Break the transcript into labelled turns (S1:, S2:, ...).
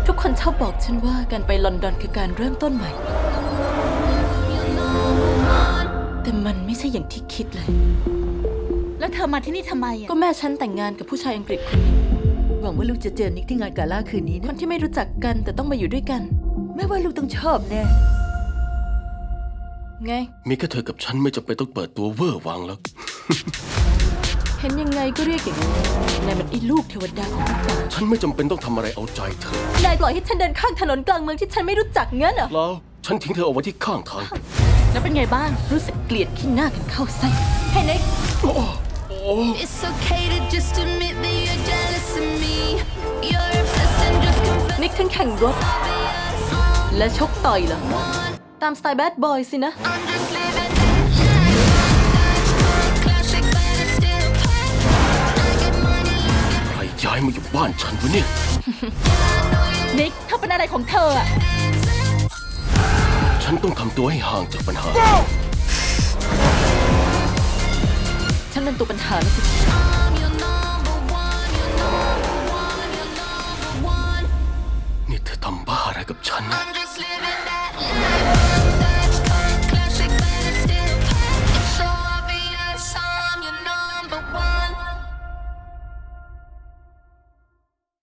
S1: ทุกคนชอบบอกฉันว่าการไปลอนดอนคือการเริ่มต้นใหม่ แต่มันไม่ใช่อย่างที่คิดเลย
S2: แล้วเธอมาที่นี่ทำไมอะ
S1: ก็แม่ฉันแต่งงานกับผู้ชายอังกฤษคนหนึง
S3: หวังว่าลูกจะเจอนิกที่งานกาล่าคืนนี้
S1: ค
S3: นะ
S1: นที่ไม่รู้จักกันแต่ต้องมาอยู่ด้วยกัน
S3: แม่ว่าลูกต้องชอบแน่
S1: ไง
S4: มีแค่เธอกับฉันไม่จำเป็นต้องเปิดตัวเวอร์วังแล้ว
S1: เห็นยังไงก็เรียกอย่างนี้นายมันไอ้ลูกเทวดาของทุกอย่าง
S4: ฉันไม่จำเป็นต้องทำอะไรเอาใจเธอ
S1: นายปล่อยให้ฉันเดินข้างถนนกลางเมืองที่ฉันไม่รู้จักงั้นเหรอ
S4: แล้วฉันทิ้งเธอเอาไว้ที่ข้างทาง
S2: แล้วเป็นไงบ้าง
S1: รู้สึกเกลียดขี้หน้ากันเข้าไส้เฮ้ยนิก
S5: It's okay to just admit that you're jealous of me. You're obsessed and just confess.
S1: นิกทั้งแข่งรถ และชกต่อยเหรอ ตามสไตล์แบดบอยสินะ
S5: I'm just living classic, but it's still pop. I get money,
S4: ใครย้ายมาอยู่บ้านฉันวะเนี่ย
S2: นิกเธอเป็นอะไรของเธออะ
S4: ฉันต้องทำตัวให้ห่างจากปัญหา
S1: ฉันเป็นตัวปัญหาแล้วสิ
S5: I'm your number one. You're number one. You're number one.
S4: นี่เธอทำบ้าอะไรกับฉัน
S5: I'm just